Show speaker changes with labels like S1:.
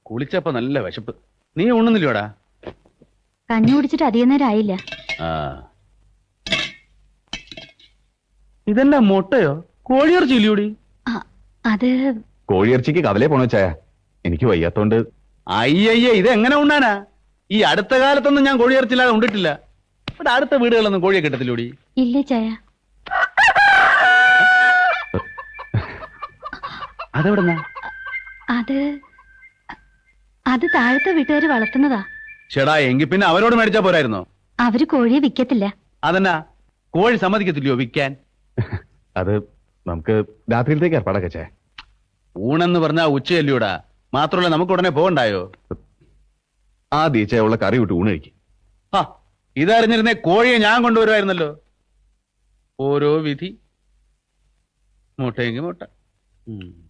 S1: കുളിച്ചപ്പോ നല്ല വിശപ്പ്. നീ ഉണ്ണുന്നില്ലോടാ?
S2: കഞ്ഞി കുടിച്ചിട്ട് അധികം നേരം ആയില്ല.
S1: ആ, ഇതെന്നാ മുട്ടയോ കോഴിയിറച്ചി ഇല്ലൂടി?
S2: അത്
S3: കോഴിയിറച്ചിക്ക് കവലേ പോണോ ചായ? എനിക്ക് വയ്യാത്തോണ്ട്.
S1: അയ്യയ്യേ, ഇതെങ്ങനെ ഉണ്ണാനാ? ഈ അടുത്ത കാലത്തൊന്നും ഞാൻ കോഴിയിറച്ചില്ലാതെ ഉണ്ടിട്ടില്ല. ഇവിടെ അടുത്ത വീടുകളൊന്നും കോഴിയെ കിട്ടത്തില്ലൂടി.
S2: ഇല്ലേ ചായ?
S1: അതെവിടെന്നാ?
S2: അത് താഴത്തെ വീട്ടുകാര് വളർത്തുന്നതാ.
S1: ചേടാ, എങ്കിൽ പിന്നെ അവരോട് മേടിച്ചാ പോരായിരുന്നോ?
S2: അവര് കോഴിയെ വിൽക്കത്തില്ല.
S1: അതെന്നാ, കോഴി സമ്മതിക്കത്തില്ലയോ വിൽക്കാൻ?
S3: അത് നമുക്ക് രാത്രിയിലത്തേക്ക് ഏർപ്പാടൊക്കെ ചായ.
S1: ഊണെന്ന് പറഞ്ഞാ ഉച്ചയല്ലൂടാ. മാത്രമല്ല നമുക്ക് ഉടനെ പോകണ്ടായോ?
S3: ആദ്യ ചായ ഉള്ള കറി വിട്ട് ഊണ് കഴിക്കും.
S1: ആ, ഇതറിഞ്ഞിരുന്നേ കോഴിയെ ഞാൻ കൊണ്ടുവരുമായിരുന്നല്ലോ. ഓരോ വിധി. മുട്ടയെങ്കിൽ മുട്ട.